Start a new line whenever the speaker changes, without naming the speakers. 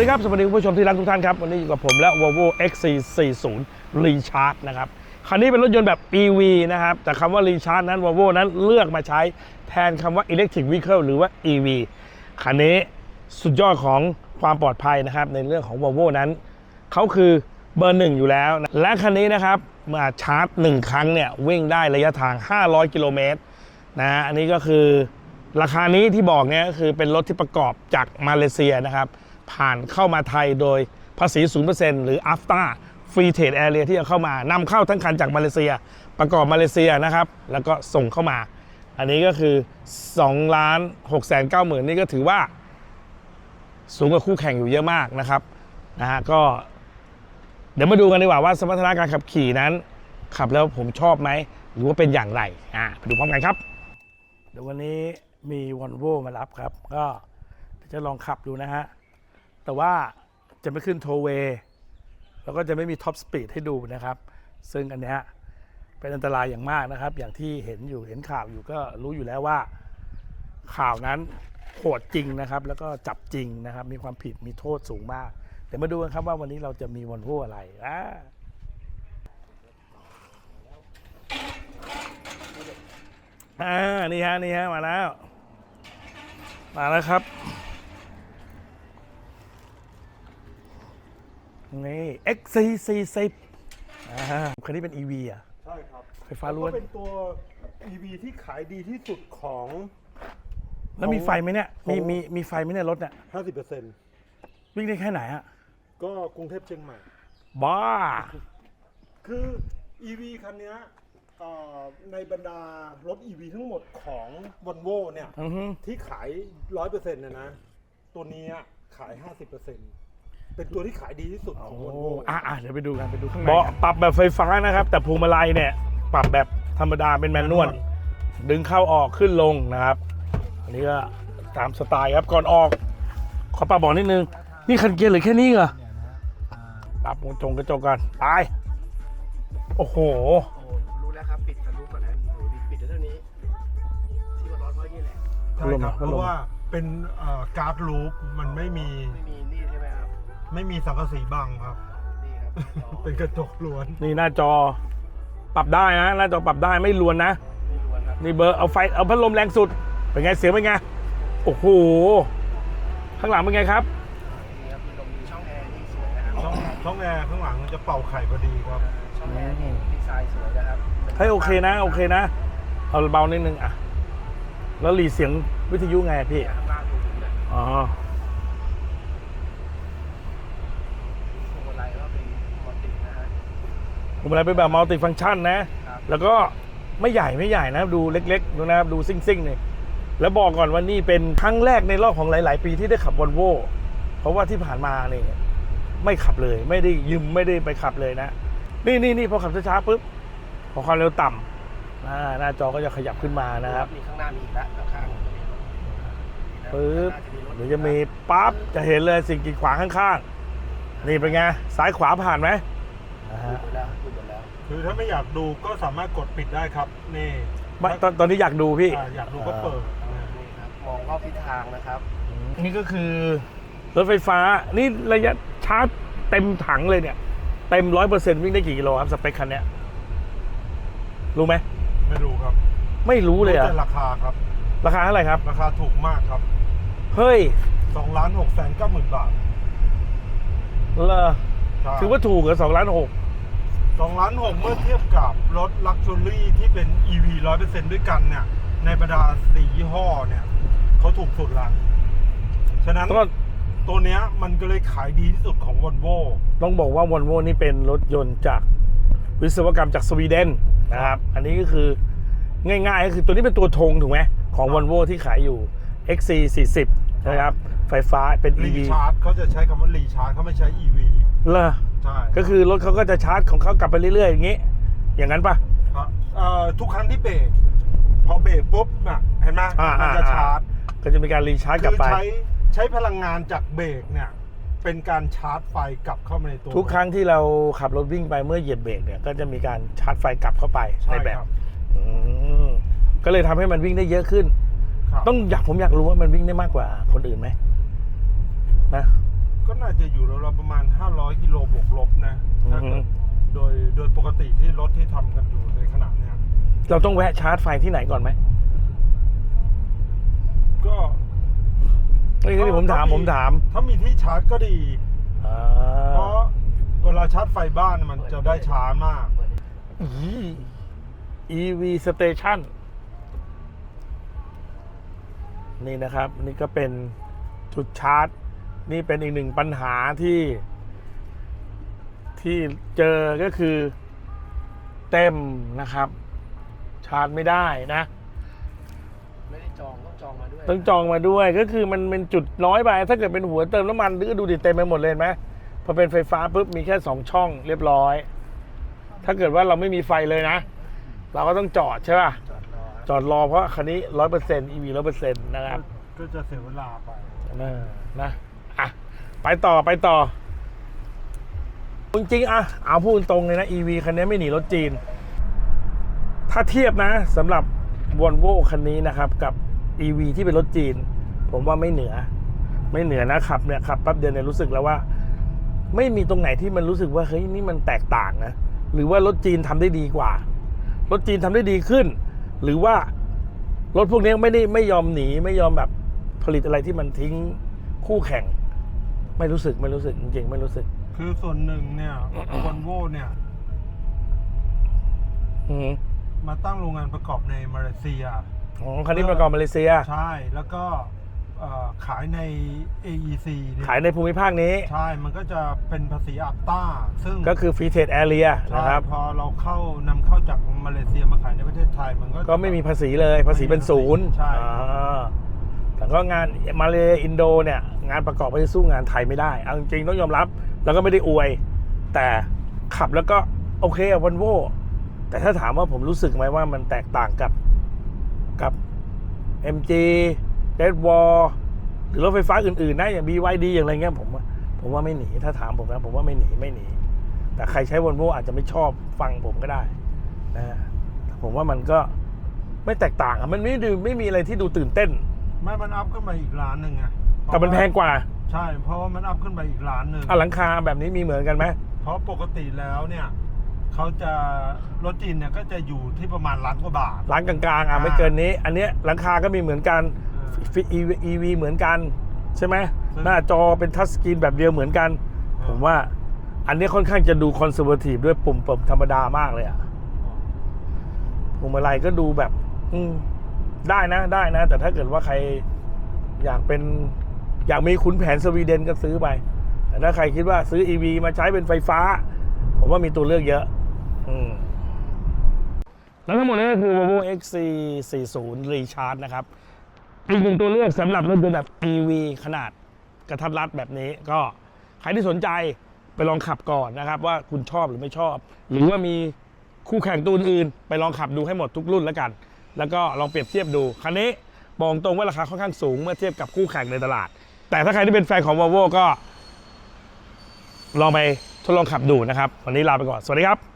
ดีครับสวัสดีคุณผู้ชมที่รักทุกท่านครับวันนี้อยู่กับผมและ Volvo XC40 Recharge นะครับคันนี้เป็นรถยนต์แบบ EV นะครับแต่คำว่า Recharge นั้น Volvo นั้นเลือกมาใช้แทนคำว่า Electric Vehicle หรือว่า EV คันนี้สุดยอดของความปลอดภัยนะครับในเรื่องของ Volvo นั้นเขาคือเบอร์ 1อยู่แล้วนะและคันนี้นะครับมาชาร์จ1ครั้งเนี่ยวิ่งได้ระยะทาง500กิโลเมตรนะอันนี้ก็คือราคานี้ที่บอกเนี่ยก็คือเป็นรถที่ประกอบจากมาเลเซียนะครับผ่านเข้ามาไทยโดยภาษี 0% หรือ AFTA Free Trade Area ที่จะเข้ามานำเข้าทั้งคันจากมาเลเซียประกอบมาเลเซียนะครับแล้วก็ส่งเข้ามาอันนี้ก็คือ 2,690,000 นี่ก็ถือว่าสูงกว่าคู่แข่งอยู่เยอะมากนะครับก็เดี๋ยวมาดูกันดีกว่าว่าสมรรถนะการขับขี่นั้นขับแล้วผมชอบไหมหรือว่าเป็นอย่างไรไปดูพร้อมกันครับเดี๋ยววันนี้มี Volvo มารับครับก็จะลองขับดูนะฮะแต่ว่าจะไม่ขึ้นโทเวย์แล้วก็จะไม่มีท็อปสปีดให้ดูนะครับซึ่งอันนี้เป็นอันตรายอย่างมากนะครับอย่างที่เห็นข่าวอยู่ก็รู้อยู่แล้วว่าข่าวนั้นโหดจริงนะครับแล้วก็จับจริงนะครับมีความผิดมีโทษสูงมากเดี๋ยวมาดูกันครับว่าวันนี้เราจะมี Volvo อะไรนี่ฮะมาแล้วครับนี่ XC40 คันนี้เป็น EV
ใช่ครับ
ไฟฟ้าล้วน
เป็นตัว EV ที่ขายดีที่สุดของ
แล้วมีไฟไหมเนี่ยมีไฟไหมเนี่ยรถเนี่ย
50%
วิ่งได้แค่ไหน
ก็กรุงเทพเชียงใหม่
บ้า
คือ EV คันนี้ในบรรดารถ EV ทั้งหมดของ Volvo เนี่ยที่ขาย 100% เนี่ยนะตัวนี้ขาย 50%เป็นตัวที่ขายดีที่สุดของ Volvo
เดี๋ยวไปดูกันข้างในปรับแบบไฟฟ้านะครับแต่พวงมาลัยเนี่ยปรับแบบธรรมดาเป็นแมนนวลดึงเข้าออกขึ้นลงนะครับอันนี้ก็ตามสไตล์ครับก่อนออกขอปรับบอกนิดนึงนี่คันเกียร์หรือแค่นี้เหรอปรับกระจกกันไปโอ้โห
รู้แล้วครับปิดทะลุก่อนนะปิดเท่านี้ที่มันร้อนเพราะนี่แหละ
ใช่ครับเพราะว่าเป็นการ์ดลูปมันไม่มี
นี่ใช่ไหมครับ
ไม่มีสังกะสีบังครับ
นี่ครับ
เป็นกระจกล้วน
นี่หน้าจอปรับได้นะหน้าจอปรับได้ไม่ล้วนนะนี่เบอร์เอาพัดลมแรงสุดเป็นไงเสียงเป็นไงโอ้โหข้างหลังเป็นไงครับ
นี่ครับมีลมมีช่องแอร์ที่สวยนะครับ
ช่องแอร์ข้างหลังจะเป่าไข่พอดีครับ
ช่องแอร์นี่ดีไซน์สวยนะครับ
ให้โอเคนะเอาเบานิดนึงแล้วหลีเสียงวิทยุไงพี่
ข้างล่างดูถึงเลยพวงมาลัยก็เป็นมัลตินะฮะ
พวงมาลัยเป็นแบบมัลติฟังก์ชันนะแล้วก็ไม่ใหญ่นะดูเล็กๆดูนะครับดูซิ่งๆนี่แล้วบอกก่อนว่านี่เป็นครั้งแรกในรอบของหลายๆปีที่ได้ขับ Volvo เพราะว่าที่ผ่านมานี่ไม่ขับเลยไม่ได้ไปขับเลยนะนี่พอขับช้าๆปุ๊บพอความเร็วต่ำหน้าจอก็จะขยับขึ้นมานะครับ
มีข้างหน้ามีอีกแล้วข้าง
ปุ๊บเดี๋ยวจะมีปั๊บจะเห็นเลยสิ่งกีดขวางข้างๆนี่เป็นไงซ้ายขวาผ่านไหม
คือถ้าไม่อยากดูก็สามารถกดปิดได้ครับนี่
ตอนนี้อยากดูพี่
อยากดูก็เปิด
นี่ครับมองรอบทิศทางนะครับ
นี่ก็คือรถไฟฟ้านี่ระยะชาร์จเต็มถังเลยเนี่ยเต็ม 100% วิ่งได้กี่กิโลครับสเปคคันนี้รู้ไหม
ไม่รู้ครับ
ไม่รู้เลย
แต่ราคาครับ
ราคาเท่าไหร่ครับ
ราคาถูกมากครับ
เฮ้ย
2,690,000 บาท
เหรอถือว่าถูกเหรอ2,600,000
2,600,000เมื่อเทียบกับรถลักชัวรี่ที่เป็น EV 100% ด้วยกันเนี่ยในบรรดา4ยี่ห้อเนี่ยเขาถูกสุดละฉะนั้นตัวเนี้ยมันก็เลยขายดีที่สุดของ Volvo
ต้องบอกว่า Volvo นี่เป็นรถยนต์จากวิศวกรรมจากสวีเดนนะครับอันนี้ก็คือง่ายๆก็คือตัวนี้เป็นตัวธงถูกไหมของ Volvo ที่ขายอยู่ XC40 นะครับไฟฟ้าเป็น EV
รีชาร์จเขาจะใช้คำว่ารีชาร์จเขาไม่ใช้ EV
เหรอ
ใช่
ก็คือรถเขาก็จะชาร์จของเขากลับไปเรื่อยๆอย่างนี้อย่างนั้นปะ
ทุกครั้งที่เบรกพอเบรกปุ๊บเห็นไหมมันจะชาร์จ
ก็จะมีการรีชาร์จกลับไป
ใช้พลังงานจากเบรกเนี่ยเป็นการชาร์จไฟกลับเข้ามาในตัว
ทุกครั้งที่เราขับรถวิ่งไปเมื่อเหยียบเบรกเนี่ยก็จะมีการชาร์จไฟกลับเข้าไปในแบบก็เลยทำให้มันวิ่งได้เยอะขึ้นผมอยากรู้ว่ามันวิ่งได้มากกว่าคนอื่นไหมนะ
ก็น่าจะอยู่เราประมาณ500กิโลบวกลบนะถ้าเกิดโดยปกติที่รถที่ทำกันอยู่ในขณะเนี้ย
เราต้องแวะชาร์จไฟที่ไหนก่อนไหม
ก็
นี่ผมถาม
ถ้ามีที่ชาร์จก็ดี
อ่า
เพราะเวลาชาร์จไฟบ้านมันจะได้ช้ามาก
EV Station นี่นะครับ นี่ก็เป็นจุดชาร์จ นี่เป็นอีกหนึ่งปัญหาที่เจอก็คือเต็มนะครับ ชาร์จไม่ได้นะ
ไม่ได้จองต้องจองมาด้วย
ต้องจองมาด้วยก็คือมันเป็นจุดน้อยไปถ้าเกิดเป็นหัวเติมน้ำมันก็ดูดิเต็มไปหมดเลยเห็นไหมพอเป็นไฟฟ้าปุ๊บมีแค่2ช่องเรียบร้อย ถ้าเกิดว่าเราไม่มีไฟเลยนะ เราก็ต้องจอดใช่ป่ะ
จอดรอ
จอดรอเพราะคันนี้ 100% EV 100% นะครับ
ก็จะเสียเวลาไป
นะอ่ะไปต่อจริงๆอ่ะเอาพูดตรงเลยนะ EV คันนี้ไม่หนีรถจีน ถ้าเทียบนะสำหรับ Volvo คันนี้นะครับกับ EV ที่เป็นรถจีน ผมว่าไม่เหนือนะขับเนี่ยขับแป๊บเดียวเนี่ยรู้สึกแล้วว่า ไม่มีตรงไหนที่มันรู้สึกว่าเฮ้ยนี่มันแตกต่างนะหรือว่ารถจีนทำได้ดีกว่ารถจีนทำได้ดีขึ้น หรือว่ารถพวกนี้ไม่ยอมหนีไม่ยอมแบบผลิตอะไรที่มันทิ้งคู่แข่ง ไม่รู้สึกจริงๆไม่รู้สึก
คือส่วนหนึ่งเนี่ยวอลโว่เนี่ย
อืม
มาตั้งโรงงานประกอบในมาเลเซีย
อ๋อคันนี้ประกอบมาเลเซีย
ใช่แล้วก็ขายใน AEC เนี่ย
ขายในภูมิภาคนี้
ใช่ มันก็จะเป็นภาษีอัปต้า ซึ่ง
ก็คือ Free Trade Area
ใช่
นะครับ
พอเรานำเข้าจากมาเลเซียมาขายในประเทศไทย มันก็
ก็ไม่มีภาษีเลยภาษีเป็นศูนย์
ใช่
อ่าแต่ก็งานมาเลอินโดเนี่ยงานประกอบก็จะสู้งานไทยไม่ได้เอาจริงๆต้องยอมรับ แล้วก็ไม่ได้อวย แต่ขับแล้วก็โอเคอะวอลโว่แต่ถ้าถามว่าผมรู้สึกไหมว่ามันแตกต่างกับ MG Red Wall หรือรถไฟฟ้าอื่นๆนะอย่าง BYD อย่างไรเงี้ยผมว่าไม่หนีถ้าถามผมนะผมว่าไม่หนีแต่ใครใช้วอลโว่อาจจะไม่ชอบฟังผมก็ได้นะผมว่ามันก็ไม่แตกต่างอะมันไม่มีอะไรที่ดูตื่นเต้น
ไม่มันอัพขึ้นมาอีกร้านหนึ่งไง
แต่มันแพงกว่า
ใช่ เพราะว่ามันอัพขึ้นไปอีกร้านหนึ่ง
หลังคาแบบนี้มีเหมือนกันไหม
เพราะปกติแล้วเนี่ยเขาจะรถจีนเนี่ยก็จะอยู่ที่ประมาณล้านกว่าบาท
ร้านกลางๆไม่เกินนี้ อันเนี้ยหลังคาก็มีเหมือนกัน EV เหมือนกันใช่ไหมหน้าจอเป็นทัชสกรีนแบบเดียวเหมือนกัน ผมว่าอันนี้ค่อนข้างจะดูคอนเซอร์เวทีฟด้วยปุ่มธรรมดามากเลยอะพวงมาลัยก็ดูแบบได้นะ แต่ถ้าเกิดว่าใครอยากมีขุนแผนสวีเดนก็ซื้อไป แต่ถ้าใครคิดว่าซื้อ EV มาใช้เป็นไฟฟ้า ผมว่ามีตัวเลือกเยอะแล้วทั้งหมดนี้ก็คือ Volvo XC40 Recharge นะครับอีกหนึ่งตัวเลือกสำหรับรถยนต์แบบ EV ขนาดกระทัดรัดแบบนี้ก็ใครที่สนใจไปลองขับก่อนนะครับว่าคุณชอบหรือไม่ชอบ หรือว่ามีคู่แข่งตัวอื่นไปลองขับดูให้หมดทุกรุ่นแล้วกัน แล้วก็ลองเปรียบเทียบดูคันนี้บอกตรงว่าราคาค่อนข้างสูงเมื่อเทียบกับคู่แข่งในตลาด แต่ถ้าใครที่เป็นแฟนของ Volvo ก็ลองไปทดลองขับดูนะครับวันนี้ลาไปก่อนสวัสดีครับ